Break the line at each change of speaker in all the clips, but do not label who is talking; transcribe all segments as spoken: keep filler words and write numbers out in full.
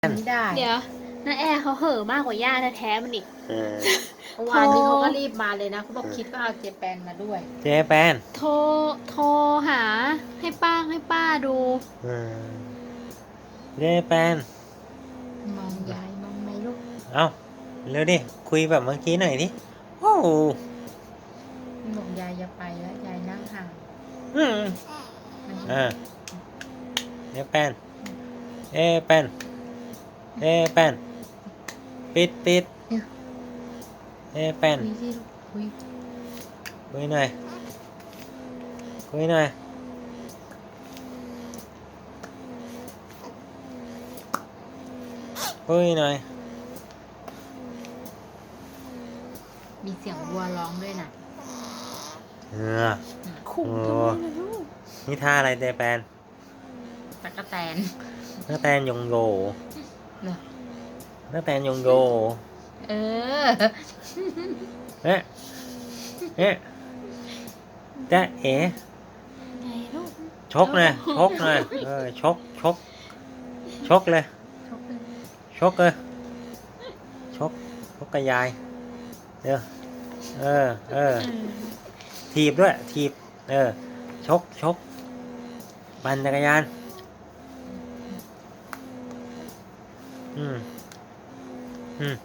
ไม่ได้
เดี๋ยวน้าแอร์เขาเห่อะมากกว่าย่าแท้ๆมันอีก
เออ
เมื่อวานนี้เขาก็รีบมาเลยนะเขาบอกคิดว่าเอาเจแปนมาด้วย
เจแปน
โทรโทรหาให้ป้าให้ป้าดู
เออเจแปน
มองยายมองไหมลูก
เอาเร็วดิคุยแบบเมื่อกี้หน่อยดิโอ้โห
บอกยายอย่าไปแล้วยายนั่งห่าง
อืม
มัน
อ่าเจแปนเจแปนเจแปนปิดปิดเจแปน
คุยสิลูกคุย
คุยหน่อยคุยหน่อยคุยหน่อย
มีเสียงวัวร้องด้วยนะ
เออ
ขุ่ม
โอ้
ทำไมล่ะลูก
นี่ท่าอะไรเจแปน
ตะกะแตน
หน้าแตนยงโย
เหรอ
หน้าแตนยงโย
เออ
เอ๊ะเอ๊ะจ๊ะเอ๋
ไงลูก
ชกเลยชกเลยเออชกชกชกเลย
ชกเลย
ชกเลยชกชกกับยายเดี๋ยวเออเออ
เออ
ถีบด้วยถีบเออชกชกปั่นจักรยานอืมอืม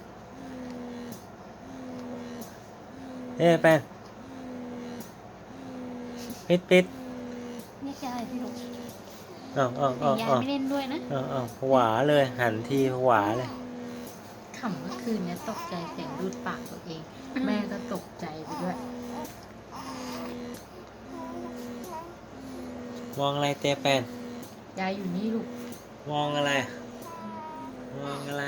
เอ๊ะแป้นปิดปิด
นี่แกอะไรพี่ลูก
อ้าวอ้าว
แต่
อ้าวย
าย
อ้าว
ไม่เล่นด้วยนะ
อ้าวอ้าวผวาเลยหันทีผวาเลย
ขำเมื่อคืนเนี้ยตกใจเสียงดูดปากตัวเอง แม่ก็ตกใจไปด้วย
มองอะไรเตแปน
ยายอยู่นี่ลูก
มองอะไร มองอะไร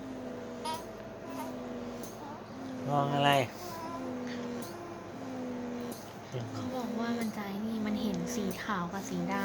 มองอะไร
เขาบอกว่ามันใจนี่มันเห็นสีขาวกับสีดำ